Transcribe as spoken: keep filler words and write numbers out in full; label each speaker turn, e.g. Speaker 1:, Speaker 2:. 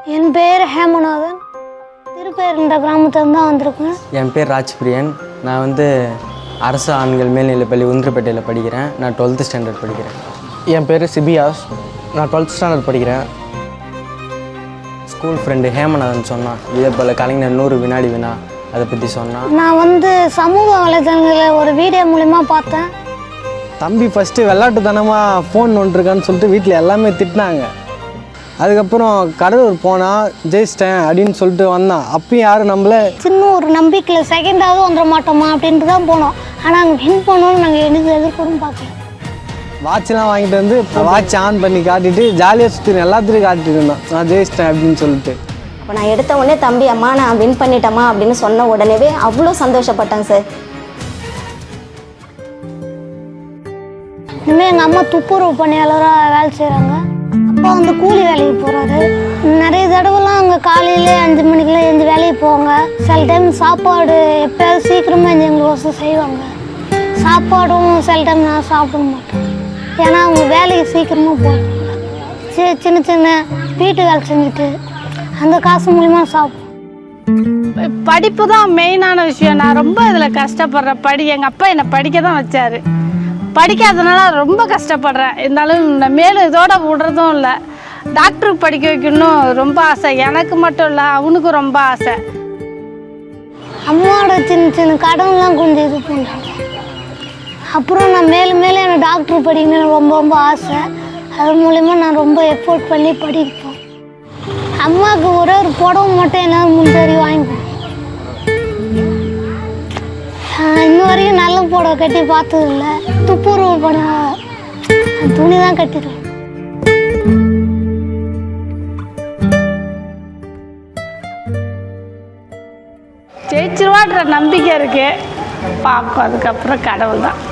Speaker 1: என் பேர் ஹேமநாதன். திருப்பேருண்ட கிராமத்துலேருந்து தான் வந்திருக்கேன்.
Speaker 2: என் பேர் ராஜ்பிரியன். நான் வந்து அரசு ஆண்கள் மேல்நிலைப்பள்ளி உந்திரப்பேட்டையில் படிக்கிறேன். நான் டுவெல்த்து ஸ்டாண்டர்ட் படிக்கிறேன்.
Speaker 3: என் பேர் சிபியாஸ். நான் டுவெல்த் ஸ்டாண்டர்ட் படிக்கிறேன்.
Speaker 2: ஸ்கூல் ஃப்ரெண்டு ஹேமநாதன் சொன்னான், இதே போல் கலைஞர் நூறு வினாடி வினா அதை பற்றி சொன்னான்.
Speaker 1: நான் வந்து சமூக வலைதளங்களில் ஒரு வீடியோ மூலிமா பார்த்தேன்.
Speaker 3: தம்பி ஃபஸ்ட்டு விளாட்டுத்தனமாக ஃபோன் நோண்டிருக்கான்னு சொல்லிட்டு வீட்டில் எல்லாமே திட்டினாங்க. அதுக்கப்புறம் கடலூர் போனால் ஜெயிச்சிட்டேன் அப்படின்னு சொல்லிட்டு வந்தான். அப்பயும் யாரும் நம்மள
Speaker 1: சின்ன ஒரு நம்பிக்கையில் செகண்டாவது வந்துட மாட்டோமா அப்படின்ட்டு தான் போனோம். ஆனால் அங்கே வின் பண்ணோன்னு நாங்கள் எனக்கு எதிர்கூடும் பார்க்கல.
Speaker 3: வாட்ச்லாம் வாங்கிட்டு வந்து வாட்ச் ஆன் பண்ணி காட்டிட்டு ஜாலியாக சுற்றி எல்லாத்துலேயும் காட்டிட்டு இருந்தோம் நான் ஜெயிச்சிட்டேன் அப்படின்னு சொல்லிட்டு.
Speaker 4: அப்போ நான் எடுத்த உடனே தம்பி அம்மா நான் வின் பண்ணிட்டேம்மா அப்படின்னு சொன்ன உடனேவே அவ்வளோ சந்தோஷப்பட்டேன் சார்.
Speaker 1: இனிமேல் எங்கள் அம்மா துப்புரவு பணியாளராக வேலை செய்கிறாங்க. அப்பா வந்து கூலி வேலைக்கு போகிறாரு. நிறைய தடவைலாம் அங்கே காலையில் அஞ்சு மணிக்கெலாம் எழுந்து வேலைக்கு போவாங்க. சில டைம் சாப்பாடு எப்போயாவது சீக்கிரமாக எழுந்து எங்களுக்கு செய்வாங்க. சாப்பாடும் சில டைம் நான் சாப்பிட மாட்டேன், ஏன்னா அவங்க வேலைக்கு சீக்கிரமாக போவாங்க. சி சின்ன சின்ன வீட்டு வேலை செஞ்சுட்டு அந்த காசு மூலிமா சாப்பிடுவோம்.
Speaker 5: படிப்பு தான் மெயினான விஷயம். நான் ரொம்ப இதில் கஷ்டப்படுறேன். படி எங்கள் அப்பா என்னை படிக்க தான் வச்சார். படிக்காதனால ரொம்ப கஷ்டப்படுறேன். இருந்தாலும் நான் மேலும் இதோட விடுறதும் இல்லை. டாக்டருக்கு படிக்க வைக்கணும் ரொம்ப ஆசை. எனக்கு மட்டும் இல்லை, அவனுக்கும் ரொம்ப ஆசை.
Speaker 1: அம்மாவோட சின்ன சின்ன கடன்லாம் கொஞ்சம் இது பண்ணுறாங்க. அப்புறம் நான் மேலும் மேலும் எனக்கு டாக்டர் படிக்கணும்னு ரொம்ப ரொம்ப ஆசை. அது மூலிமா நான் ரொம்ப எஃபோர்ட் பண்ணி படிப்போம். அம்மாவுக்கு ஒரே ஒரு புடவை மட்டும் என்னால் முன்தறி வாங்கி கொடுப்போம். இன்ன வரைக்கும் நல்ல புடவை கட்டி பார்த்தது இல்லை. துப்புரவு பண்ண துணி தான் கட்டிடுவேன்.
Speaker 5: ஜெயிச்சிருவான்ற நம்பிக்கை இருக்கு. பார்ப்போம், அதுக்கப்புறம் கடவுள் தான்.